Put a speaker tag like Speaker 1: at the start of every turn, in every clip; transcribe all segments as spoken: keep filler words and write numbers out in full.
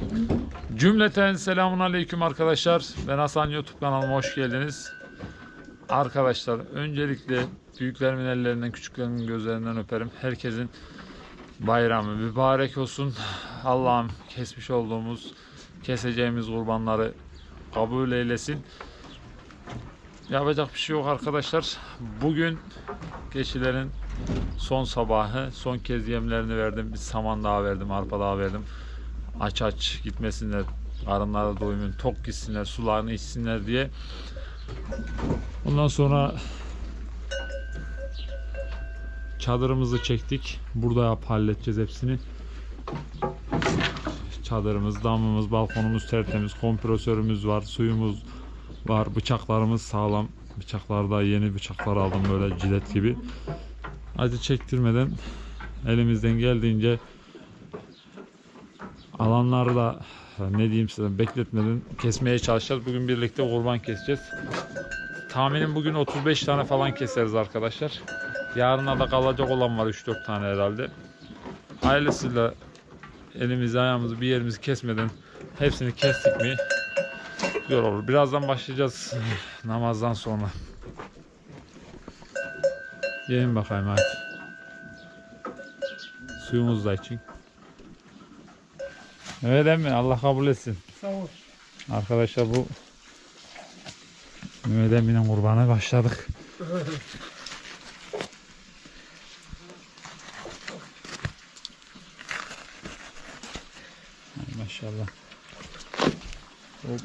Speaker 1: Cümleten selamun aleyküm arkadaşlar. Ben Hasan, YouTube kanalıma hoş geldiniz. Arkadaşlar öncelikle büyüklerimin ellerinden, küçüklerimin gözlerinden öperim. Herkesin bayramı mübarek olsun. Allah'ım kesmiş olduğumuz, keseceğimiz kurbanları kabul eylesin. Yapacak bir şey yok arkadaşlar. Bugün keçilerin son sabahı. Son kez yemlerini verdim. Bir saman daha verdim, arpa daha verdim. Aç aç gitmesinler, karınları doymun, tok gitsinler, sularını içsinler diye. Ondan sonra çadırımızı çektik. Burada yap halledeceğiz hepsini. Çadırımız, damımız, balkonumuz tertemiz, kompresörümüz var, suyumuz var, bıçaklarımız sağlam. Bıçaklarda yeni bıçaklar aldım böyle cilet gibi. Acı çektirmeden elimizden geldiğince alanları da ne diyeyim size bekletmeden kesmeye çalışacağız. Bugün birlikte kurban keseceğiz. Tahminim bugün otuz beş tane falan keseriz arkadaşlar. Yarına da kalacak olan var üç dört tane herhalde. Ailesiyle elimizi ayağımızı bir yerimizi kesmeden hepsini kestik mi güzel olur. Birazdan başlayacağız namazdan sonra. Yiyin bakayım hadi. Suyumuzu da için. Evet emmi, Allah kabul etsin.
Speaker 2: Sağ ol.
Speaker 1: Arkadaşlar bu Mehmet emminin kurbanı başladık. Ay maşallah. Hop.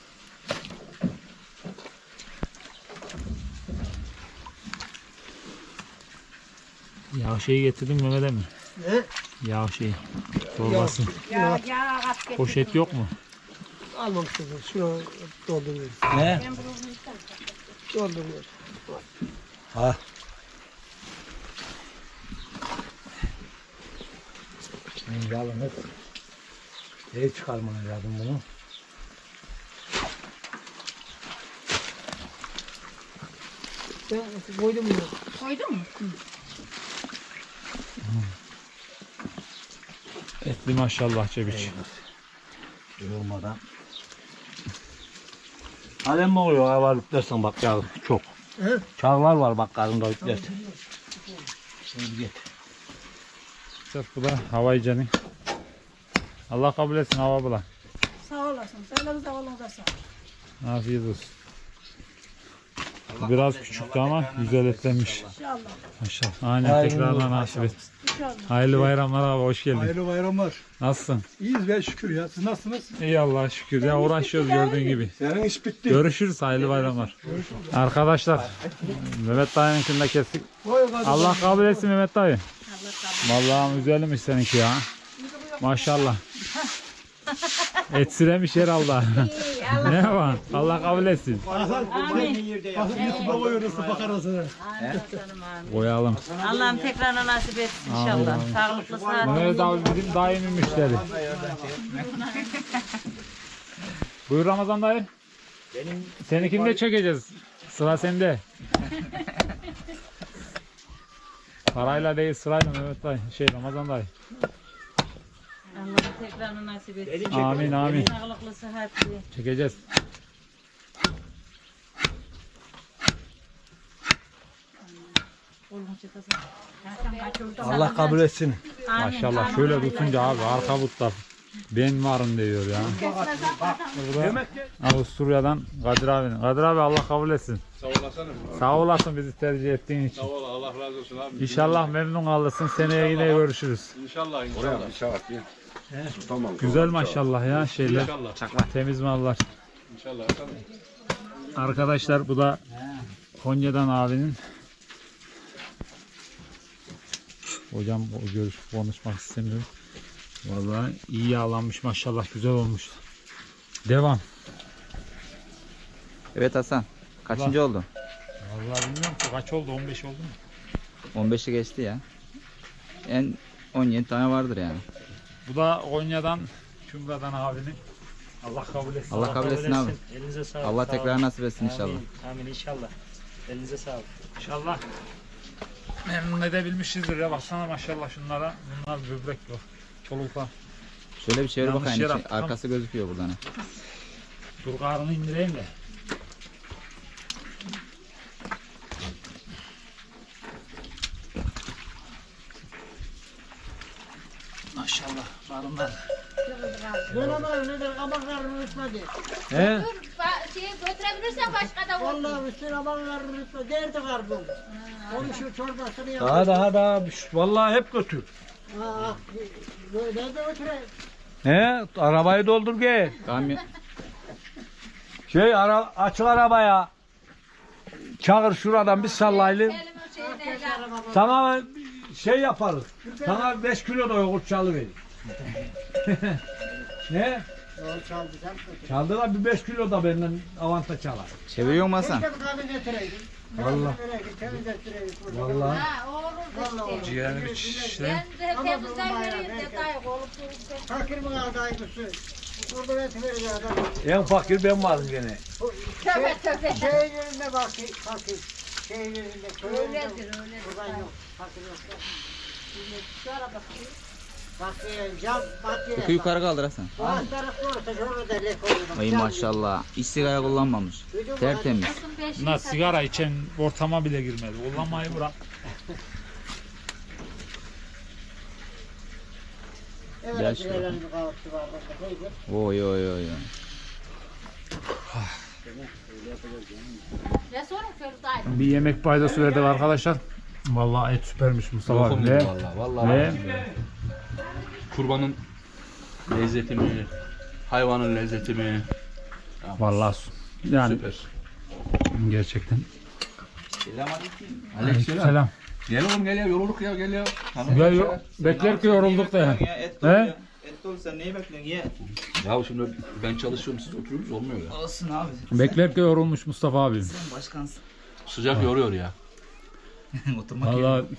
Speaker 1: Yağ şeyi getirdim Mehmet emmi.
Speaker 2: Ne?
Speaker 1: Yağ şeyi. Torbası.
Speaker 2: Ya,
Speaker 3: Ya at
Speaker 1: Poşet yok mu?
Speaker 2: almamışsın. Şunu dolduruyoruz.
Speaker 4: Ne?
Speaker 2: Dolduruyoruz.
Speaker 4: Ha. Şimdi alınıp iyi çıkarmanız lazım bunu.
Speaker 2: Ben koydum bunu.
Speaker 3: Koydun mu?
Speaker 1: Etli maşallah Cebiç.
Speaker 4: Yorulmadan. Alem mi oluyor? Hava yüklersen bak ya çok.
Speaker 2: He?
Speaker 4: Çağlar var bak karnında yüklersen. Şimdi git.
Speaker 1: Bu da havaycanı. Allah kabul etsin hava bula.
Speaker 3: Sağ olasın. Sağ sağ olun.
Speaker 1: Afiyet olsun. Bu biraz küçüktü ama güzel etlenmiş.
Speaker 3: İnşallah.
Speaker 1: Maşallah. Aynen tekrardan nasip et.
Speaker 3: İnşallah.
Speaker 1: Hayırlı bayramlar abi, hoş geldin.
Speaker 2: Hayırlı bayramlar.
Speaker 1: Nasılsın?
Speaker 2: İyiyiz be şükür ya. Siz nasılsınız?
Speaker 1: İyi Allah'a şükür. Ya uğraşıyoruz gördüğün gibi.
Speaker 2: Senin iş bitti.
Speaker 1: Görüşürüz, hayırlı bayramlar. Arkadaşlar Mehmet dayınkini de kestik. Allah kabul etsin Mehmet dayı. Vallahi güzelmiş seninki ya. Maşallah. Etsiremiş herhalde. Ne var? Allah kabul etsin.
Speaker 3: Amin.
Speaker 2: Baba yorulsa bakar arasına.
Speaker 1: Koyalım.
Speaker 3: Allah'ım tekrarına nasip etsin inşallah. Sağlıklı sıhhatli.
Speaker 1: Mehmet abi bizim daimi müşteri. Buyur Ramazan dayı. Seninkini de çekeceğiz. Sıra sende. Parayla değil sırayla Mehmet dayı. Şey Ramazan dayı.
Speaker 3: Allah'ım tekrarına nasip etsin.
Speaker 1: Amin amin.
Speaker 3: Sağlıklı sıhhatli.
Speaker 1: Çekeceğiz.
Speaker 4: Allah kabul etsin.
Speaker 1: Maşallah şöyle tutunca abi arka butlar ben varım diyor ya. Burada Avusturya'dan Kadir abinin. Kadir abi Allah kabul etsin.
Speaker 5: Sağ olasın.
Speaker 1: Sağ olasın bizi tercih ettiğin için.
Speaker 5: Sağ ol, Allah razı olsun abi.
Speaker 1: İnşallah memnun kalırsın. Seneye yine görüşürüz.
Speaker 5: İnşallah, inşallah. Bir şahit ya. Tamam.
Speaker 1: Güzel maşallah ya şeyler.
Speaker 5: İnşallah.
Speaker 1: Temiz mallar.
Speaker 5: İnşallah. Tamam.
Speaker 1: Arkadaşlar bu da Konya'dan abinin. Hocam o görüş konuşmak istemiyorum. Vallahi iyi yağlanmış maşallah, güzel olmuş. Devam.
Speaker 6: Evet Hasan. Kaçıncı oldu?
Speaker 1: Vallahi bilmiyorum ki kaç oldu, on beş oldu mu?
Speaker 6: on beşi geçti ya. En on yedi tane vardır yani.
Speaker 1: Bu da Konya'dan Kümra'dan abinin. Allah kabul etsin.
Speaker 6: Allah kabul etsin abi.
Speaker 7: Elinize sağlık.
Speaker 6: Allah
Speaker 7: Sağ
Speaker 6: tekrar
Speaker 7: olun.
Speaker 6: nasip etsin inşallah.
Speaker 7: Amin. Amin inşallah. Elinize sağlık.
Speaker 1: İnşallah memnun edebilmişizdir ya, baksana maşallah şunlara. Bunlar böbrek yok. Çoluklar.
Speaker 6: Şöyle bir çevir
Speaker 1: Yanlış
Speaker 6: bakayım.
Speaker 1: yere
Speaker 6: içi-
Speaker 1: attım.
Speaker 6: arkası gözüküyor buradan.
Speaker 1: Dur karnını indireyim de. Maşallah karınlar.
Speaker 8: Ben ama öyle de kabaklarını unutmadı.
Speaker 1: He?
Speaker 3: Şey götürebilirsen başka da olur.
Speaker 8: Vallahi üstüne kabaklarını unutmadı. Derdi karbon. Onun şu çorbasını yap.
Speaker 2: Daha daha daha. Vallahi hep götür.
Speaker 8: Aa, böyle de götüreyim.
Speaker 2: He, arabayı doldur gel.
Speaker 6: Kamyon.
Speaker 2: Şey ara, açık arabaya. Çağır şuradan bir sallayalım. Sana şey yaparız. Sana beş kilo da yoğurt çalıverir. Ne?
Speaker 8: Yol çaldı sen götür.
Speaker 2: Çaldı da bir beş kilo da benden avanta çalar.
Speaker 6: Çeviriyor mu Hasan?
Speaker 8: Keşke bir kahve getireydim.
Speaker 2: Vallahi.
Speaker 8: Temiz ettireydim.
Speaker 2: Vallahi.
Speaker 3: Ha olur
Speaker 8: Vallahi
Speaker 3: işte.
Speaker 8: olur.
Speaker 1: Ciğerini bir şişle.
Speaker 3: Ben de
Speaker 8: Ama
Speaker 3: temizden
Speaker 8: bu
Speaker 3: vereyim
Speaker 8: bayağı
Speaker 3: detay olup durursa.
Speaker 8: Fakir mi kaldı aynısı? Burada eti verecek adam.
Speaker 2: En fakir ben varım gene.
Speaker 8: Bu
Speaker 3: Tövbe tövbe.
Speaker 8: Şey yerinde fakir. Fakir. Şey yerinde. Köy yerinde.
Speaker 3: Öyledir öyledir.
Speaker 8: Buradan yok. Fakir yok.
Speaker 3: Şu ara bakayım.
Speaker 8: Fakir. Cam. Fakir.
Speaker 6: Yükü yukarı kaldır Hasan.
Speaker 8: Bu alt tarafta olsa şurada da lek olur.
Speaker 6: Ay maşallah. Hiç sigara kullanmamış. Tertemiz.
Speaker 3: Kızım beşini
Speaker 1: Bunlar
Speaker 3: satın.
Speaker 1: sigara içen ortama bile girmedi. Kullanmayı bırak.
Speaker 6: Gel
Speaker 8: Evet.
Speaker 6: şuraya.
Speaker 8: Şuraya. Bir kahvaltı var. Neydi?
Speaker 6: Oy oy oy. oy.
Speaker 3: Ne sorun Ferdi?
Speaker 1: Bir yemek paydası verdik arkadaşlar. Vallahi et süpermiş Mustafa abi. Ve,
Speaker 5: Vallahi vallahi.
Speaker 1: ve
Speaker 5: Kurbanın lezzeti mi? Hayvanın lezzeti mi?
Speaker 1: vallahi su- yani
Speaker 5: Süper.
Speaker 1: gerçekten.
Speaker 5: Aleykümselam.
Speaker 1: Selam.
Speaker 5: Gel oğlum gel ya yorulduk ya gel ya.
Speaker 1: Gel yo- bekler ki yorulduk da ya.
Speaker 6: Et
Speaker 1: He?
Speaker 6: Et olsa neyi bekliyorsun ye?
Speaker 5: Ya şimdi ben çalışıyorum siz oturuyorsunuz olmuyor ya.
Speaker 6: Olsun abi.
Speaker 1: Bekler ki yorulmuş Mustafa abi.
Speaker 6: Sen başkansın.
Speaker 5: Sıcak yoruyor ya.
Speaker 6: Oturmak yerine.
Speaker 1: Vallahi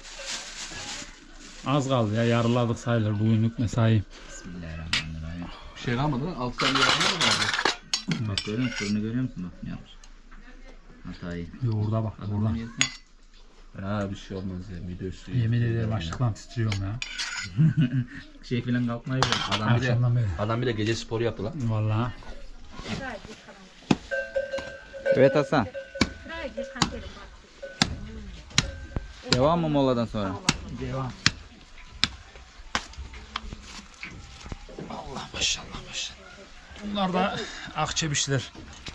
Speaker 1: az kaldı ya, yarıladık sayılır bugünlük mesai.
Speaker 6: Bismillahirrahmanirrahim.
Speaker 5: Bir şey kalmadı lan alttan bir yapma mı vardı?
Speaker 6: Bak görüyor musun? Fırını görüyor musun? Bak ne yapmış. Hatayı.
Speaker 1: Yoğurda bak
Speaker 6: Adamın
Speaker 1: buradan.
Speaker 6: yerine.
Speaker 5: Ha bir şey olmaz ya video üstü.
Speaker 1: Yemin ederim açlıktan titriyorum ya.
Speaker 6: Şey filan kalkmayı biliyor.
Speaker 5: Adam bir de,
Speaker 1: Akşamdan beri.
Speaker 5: adam bir de gece sporu yaptı lan.
Speaker 1: Vallahi.
Speaker 6: Evet Hasan. Devam mı moladan sonra?
Speaker 1: Devam. Allah maşallah maşallah. Bunlar da akçebişler.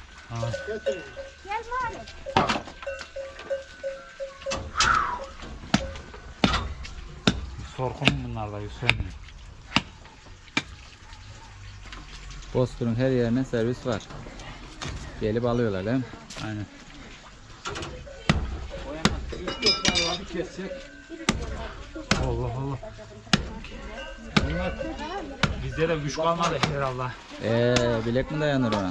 Speaker 1: Sorkunum bunlar da Hüseyin.
Speaker 6: Bozkır'ın her yerine servis var. Gelip alıyorlar değil mi?
Speaker 1: Aynen. Allah Allah. Bunlar bizde de güç kalmadı herhalde.
Speaker 6: Eee bilek mi dayanır ona?
Speaker 1: Allah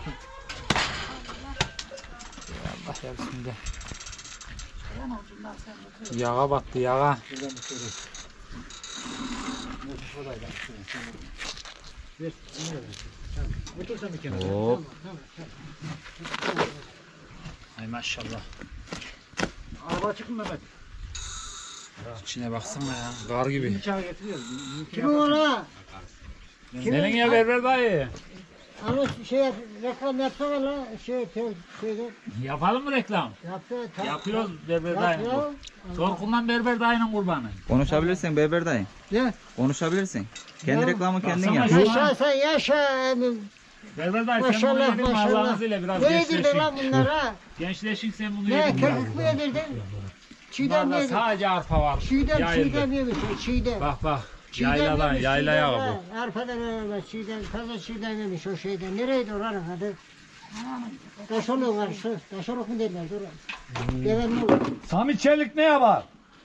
Speaker 1: yarısında. Yağa battı yağa.
Speaker 6: Hop.
Speaker 1: Ay maşallah.
Speaker 2: Araba çıkın Mehmet.
Speaker 1: İçine baksana ya. Gar gibi.
Speaker 2: Çay getiriyor.
Speaker 8: Kim o la?
Speaker 1: Senin ya berber dayı.
Speaker 8: Ama şey reklam yapsana la. Şey şey şeyde
Speaker 1: Yapalım mı reklam?
Speaker 8: yapsana. tam-
Speaker 1: Yapıyoruz berber
Speaker 8: Yap
Speaker 1: dayının.
Speaker 8: ya.
Speaker 1: Torkundan berber dayının kurbanı.
Speaker 6: Konuşabilirsin Berber dayı.
Speaker 8: Ne?
Speaker 6: Konuşabilirsin. Kendi
Speaker 8: Ya,
Speaker 6: reklamı kendin
Speaker 1: baksana
Speaker 6: yap.
Speaker 1: şu-
Speaker 8: Yaşa sen yaşa emin.
Speaker 1: Berber dayı sen bunu
Speaker 8: Maşallah
Speaker 1: yedin mi
Speaker 8: maşallah.
Speaker 1: Allah'ın izniyle biraz
Speaker 8: Ne yedirdin
Speaker 1: gençleşin.
Speaker 8: lan bunlar ha?
Speaker 1: Gençleşin sen bunu
Speaker 8: Ne
Speaker 1: yedin.
Speaker 8: köpük mü yedirdin? Çiğdem mi
Speaker 1: Bunlarda
Speaker 8: yedirdin?
Speaker 1: sadece arpa var.
Speaker 8: Çiğdem
Speaker 1: Yayıldı.
Speaker 8: çiğdem yemiş. Çiğdem.
Speaker 1: Bak bak.
Speaker 8: Çiğdem
Speaker 1: Yayladan
Speaker 8: yemiş,
Speaker 1: yaylaya
Speaker 8: çiğdem
Speaker 1: bu.
Speaker 8: ha. Arpadan öyle çiğdem. Fazla çiğdem yemiş o şeyden. Nereydi oranın adı? Taşoluk karşı. Taşoluk mu derler? Dur. Deven mi olur?
Speaker 2: Sami Çelik ne yapar?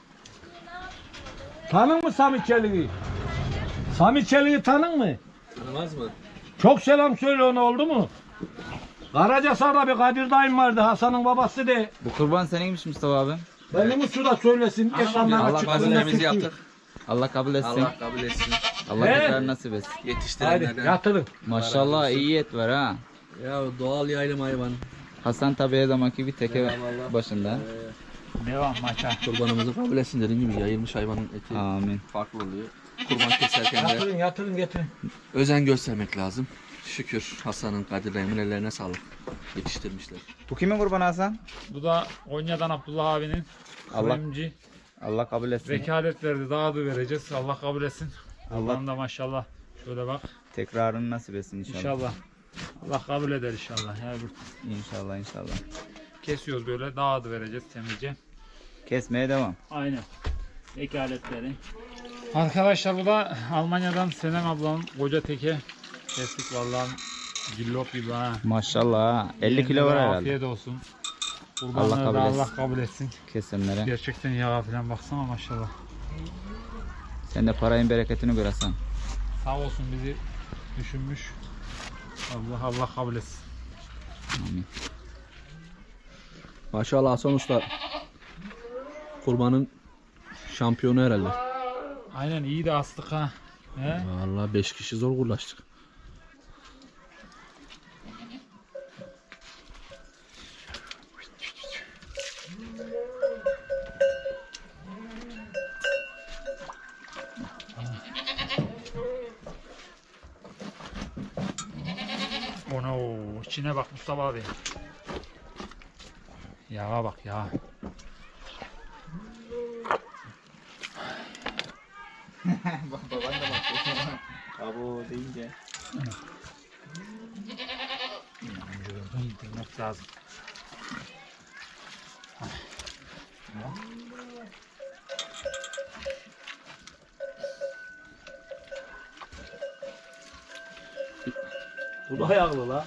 Speaker 2: Tanın mı Sami Çelik'i? Sami Çelik'i tanın mı?
Speaker 5: Tanımaz mı?
Speaker 2: Çok selam söyle ona, oldu mu? Karacasar'da bir Kadir dayım vardı, Hasan'ın babası de.
Speaker 6: Bu kurban seninmiş Mustafa abi.
Speaker 2: Benim uçu da söylesin. Ekranlara
Speaker 6: Allah
Speaker 2: çıksın.
Speaker 6: kabul
Speaker 5: yaptık.
Speaker 6: Allah kabul etsin.
Speaker 5: Allah kabul etsin.
Speaker 6: Allah
Speaker 2: He?
Speaker 6: tekrar nasip etsin.
Speaker 2: Hadi
Speaker 5: Yetiştirenlerden.
Speaker 2: yatırın.
Speaker 6: Maşallah iyi et var ha.
Speaker 5: Ya doğal yaylım hayvan.
Speaker 6: Hasan tabi her zamanki bir teke başında.
Speaker 1: Devam maça.
Speaker 5: Kurbanımızı kabul etsin dediğim gibi yayılmış hayvanın eti
Speaker 6: Amin.
Speaker 5: farklı oluyor. kurban keserken de
Speaker 2: Yatırın yatırın getirin.
Speaker 5: özen göstermek lazım. Şükür Hasan'ın, Kadir Bey'in ellerine sağlık. Yetiştirmişler.
Speaker 6: Bu kimin kurbanı Hasan?
Speaker 1: Bu da Konya'dan Abdullah abinin
Speaker 6: Allah-
Speaker 1: kuyumcu.
Speaker 6: Allah kabul etsin.
Speaker 1: Vekalet verdi. Daha da vereceğiz. Allah kabul etsin. Allah'ın da maşallah. Şöyle bak.
Speaker 6: Tekrarını nasip etsin inşallah.
Speaker 1: İnşallah. Allah kabul eder inşallah. Yani bu-
Speaker 6: İnşallah inşallah.
Speaker 1: kesiyoruz böyle. Daha da vereceğiz temizce.
Speaker 6: Kesmeye devam.
Speaker 1: Aynen. Vekaletleri. Arkadaşlar bu da Almanya'dan Senem ablanın koca teke. Kestik vallahi cillop gibi ha.
Speaker 6: Maşallah ha. elli kilo var herhalde.
Speaker 1: Afiyet olsun.
Speaker 6: Allah
Speaker 1: Kurbanları
Speaker 6: kabul
Speaker 1: da
Speaker 6: etsin.
Speaker 1: Allah kabul etsin.
Speaker 6: Kesimlere.
Speaker 1: Gerçekten yağa falan baksana maşallah.
Speaker 6: Sen de parayın bereketini gör Hasan.
Speaker 1: Sağ olsun bizi düşünmüş. Allah Allah kabul etsin.
Speaker 6: Amin.
Speaker 5: Maşallah Hasan Usta kurbanın şampiyonu herhalde.
Speaker 1: Aynen iyi de astık ha. He?
Speaker 5: Vallahi beş kişi zor uğraştık.
Speaker 1: Ono içine bak Mustafa abi. Yağa bak ya.
Speaker 6: Baban da bakıyor. Abo deyince.
Speaker 1: Gördün indirmek lazım.
Speaker 2: Bu da ayaklı la.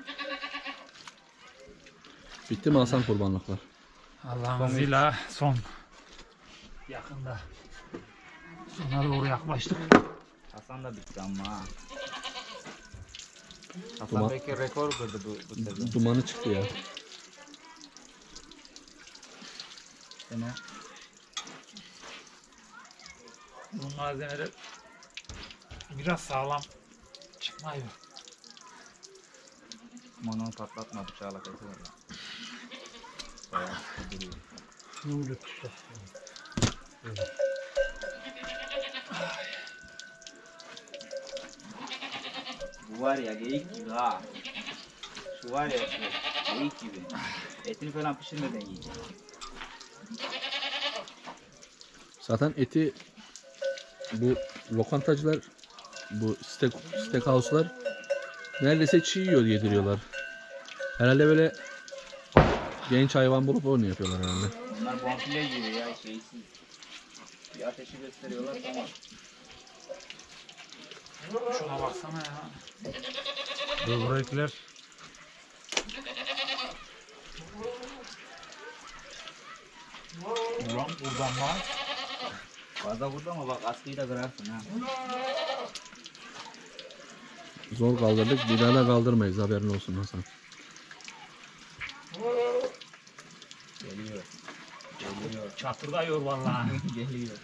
Speaker 5: Bitti mi Hasan kurbanlıklar?
Speaker 1: Allah'ın izniyle son. Yakında. Sona doğru yaklaştık.
Speaker 6: Hasan da bitti ama ha. Hasan
Speaker 5: Duman-
Speaker 6: belki rekor kırdı bu, bu sezon.
Speaker 5: Dumanı çıktı ya.
Speaker 6: Sene.
Speaker 1: Bu malzemeler biraz sağlam çıkmıyor.
Speaker 6: Mono patlatma bıçağla keser.
Speaker 2: Yumruk.
Speaker 6: Bu var ya geyik gibi ha. Şu var ya şu geyik gibi. Etini falan pişirmeden yiyecek.
Speaker 5: Zaten eti bu lokantacılar, bu steak, steakhouse'lar neredeyse çiğ yiyor yediriyorlar. Herhalde böyle genç hayvan bulup onu yapıyorlar herhalde.
Speaker 6: Bunlar bonfile gibi ya şeysiz. Bir ateşi gösteriyorlar tamam.
Speaker 1: Şuna baksana ya. Böbrekler. Ulan buradan bak.
Speaker 6: Fazla vurdu ama bak askıyı da kırarsın ha.
Speaker 5: Zor kaldırdık, bir daha da kaldırmayız, haberin olsun Hasan.
Speaker 6: Geliyor. Geliyor.
Speaker 1: Çatırdıyor vallahi.
Speaker 6: Geliyor.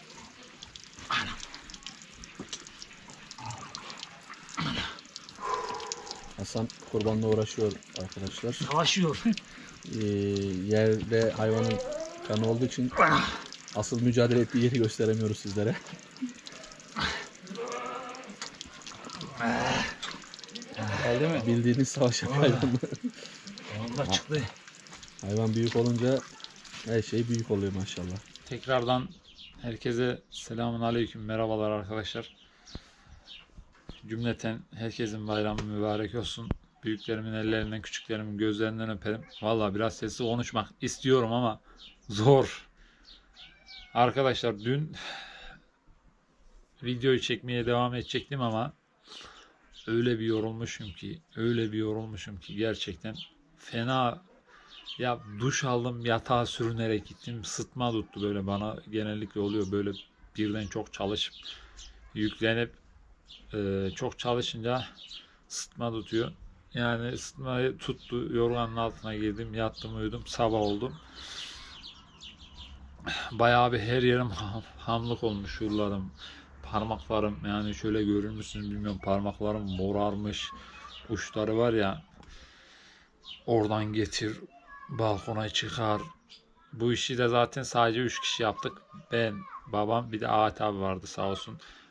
Speaker 5: Hasan kurbanla uğraşıyor arkadaşlar.
Speaker 1: Savaşıyor.
Speaker 5: Ee, yerde hayvanın kanı olduğu için asıl mücadele ettiği yeri gösteremiyoruz sizlere.
Speaker 6: Geldi mi?
Speaker 5: Bildiğiniz savaş hayvanı.
Speaker 1: Vallahi çıktı.
Speaker 5: Hayvan büyük olunca her şey büyük oluyor maşallah.
Speaker 1: Tekrardan herkese selamun aleyküm. Merhabalar arkadaşlar. Cümleten herkesin bayramı mübarek olsun. Büyüklerimin ellerinden, küçüklerimin gözlerinden öperim. Vallahi biraz sesli konuşmak istiyorum ama zor. Arkadaşlar dün videoyu çekmeye devam edecektim ama öyle bir yorulmuşum ki, öyle bir yorulmuşum ki gerçekten fena. Ya duş aldım, yatağa sürünerek gittim. Sıtma tuttu böyle bana. Genellikle oluyor böyle birden çok çalışıp yüklenip e, çok çalışınca sıtma tutuyor. Yani sıtmayı tuttu. Yorganın altına girdim, yattım, uyudum. Sabah oldum. Bayağı bir her yerim ham- hamlık olmuş, şuralarım, parmaklarım. Yani şöyle görür müsünüz bilmiyorum. Parmaklarım morarmış. Uçları var ya, oradan getir, balkona çıkar. Bu işi de zaten sadece üç kişi yaptık. Ben, babam, bir de Ahat abi vardı sağ olsun.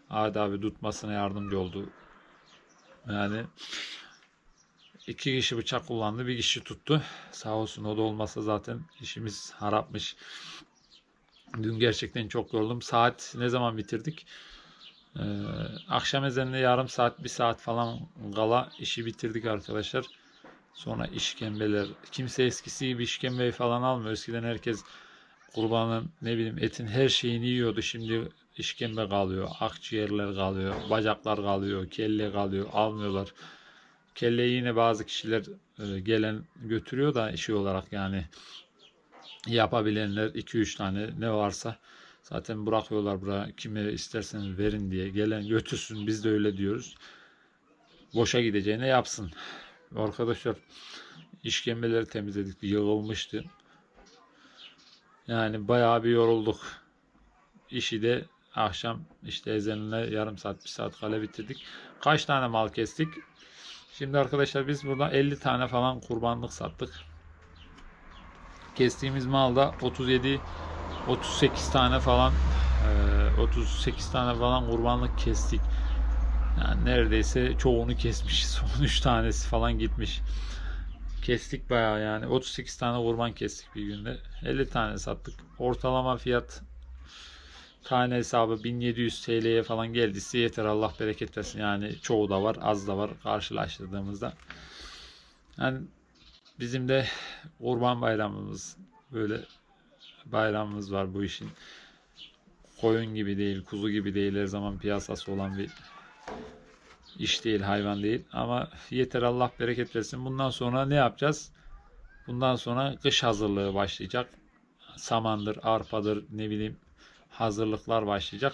Speaker 1: Adi abi tutmasına yardımcı oldu. Yani iki kişi bıçak kullandı, bir kişi tuttu. Sağ olsun, o da olmasa zaten işimiz harapmış. Dün gerçekten çok yoruldum. Saat ne zaman bitirdik? Ee, akşam ezanına yarım saat, bir saat falan kala işi bitirdik arkadaşlar. Sonra işkembeler. Kimse eskisi gibi işkembeyi falan almıyor. Eskiden herkes kurbanın ne bileyim etin her şeyini yiyordu. Şimdi işkembe kalıyor, akciğerler kalıyor, bacaklar kalıyor, kelle kalıyor. Almıyorlar. Kelleyi yine bazı kişiler e, gelen götürüyor da işi olarak, yani yapabilenler iki üç tane ne varsa zaten bırakıyorlar buraya, kime isterseniz verin diye, gelen götürsün, biz de öyle diyoruz. Boşa gideceğine yapsın. Arkadaşlar işkembeleri temizledik, yığılmıştı. Yani bayağı bir yorulduk. İşi de akşam işte ezanına yarım saat bir saat kala bitirdik. Kaç tane mal kestik? Şimdi arkadaşlar biz burada elli tane falan kurbanlık sattık. Kestiğimiz malda otuz yedi otuz sekiz tane falan otuz sekiz tane falan kurbanlık kestik. Yani neredeyse çoğunu kesmişiz. on üç tanesi falan gitmiş. Kestik bayağı yani. otuz sekiz tane kurban kestik bir günde. elli tane sattık. Ortalama fiyat tane hesabı bin yedi yüz T L'ye falan geldiyse yeter, Allah bereket versin. Yani çoğu da var, az da var karşılaştırdığımızda. Yani bizim de Kurban Bayramımız, böyle bayramımız var bu işin. Koyun gibi değil, kuzu gibi değil, her zaman piyasası olan bir iş değil, hayvan değil. Ama yeter, Allah bereket versin. Bundan sonra ne yapacağız? Bundan sonra kış hazırlığı başlayacak. Samandır, arpadır, ne bileyim hazırlıklar başlayacak.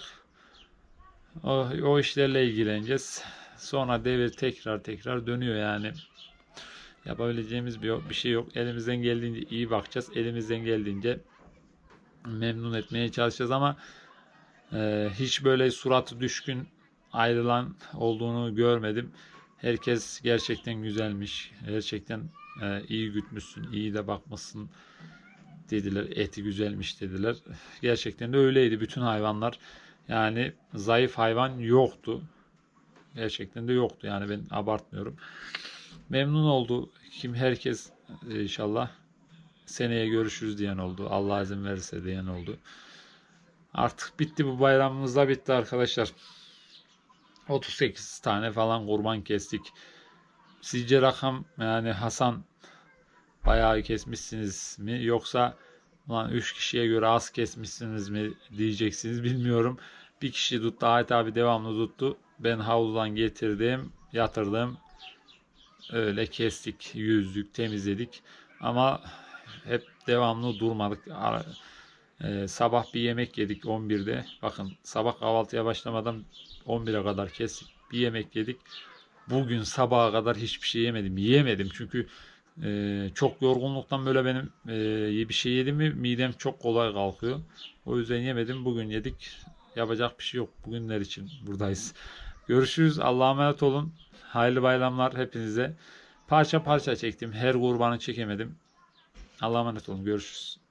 Speaker 1: O, o işlerle ilgileneceğiz. Sonra devir tekrar tekrar dönüyor yani. Yapabileceğimiz bir, bir şey yok. Elimizden geldiğince iyi bakacağız. Elimizden geldiğince memnun etmeye çalışacağız ama e, hiç böyle suratı düşkün ayrılan olduğunu görmedim. Herkes gerçekten güzelmiş. Gerçekten e, iyi gütmüşsün, iyi de bakmışsın dediler. Eti güzelmiş dediler. Gerçekten de öyleydi. Bütün hayvanlar, yani zayıf hayvan yoktu. Gerçekten de yoktu. Yani ben abartmıyorum. Memnun oldu. Kim herkes inşallah seneye görüşürüz diyen oldu. Allah izin verirse diyen oldu. Artık bitti, bu bayramımız da bitti arkadaşlar. otuz sekiz tane falan kurban kestik. Sizce rakam, yani Hasan bayağı kesmişsiniz mi, yoksa ulan üç kişiye göre az kesmişsiniz mi diyeceksiniz, bilmiyorum. Bir kişi tuttu, Ait abi devamlı tuttu. Ben havludan getirdim, yatırdım. Öyle kestik, yüzdük, temizledik. Ama hep devamlı durmadık. Ee, sabah bir yemek yedik on birde. Bakın, sabah kahvaltıya başlamadan on bire kadar kestik. Bir yemek yedik. Bugün sabaha kadar hiçbir şey yemedim. Yiyemedim çünkü e, çok yorgunluktan böyle benim e, bir şey yedim mi midem çok kolay kalkıyor. O yüzden yemedim. Bugün yedik. Yapacak bir şey yok. Bugünler için buradayız. Görüşürüz. Allah'a emanet olun. Hayırlı bayramlar hepinize. Parça parça çektim. Her kurbanı çekemedim. Allah'a emanet olun. Görüşürüz.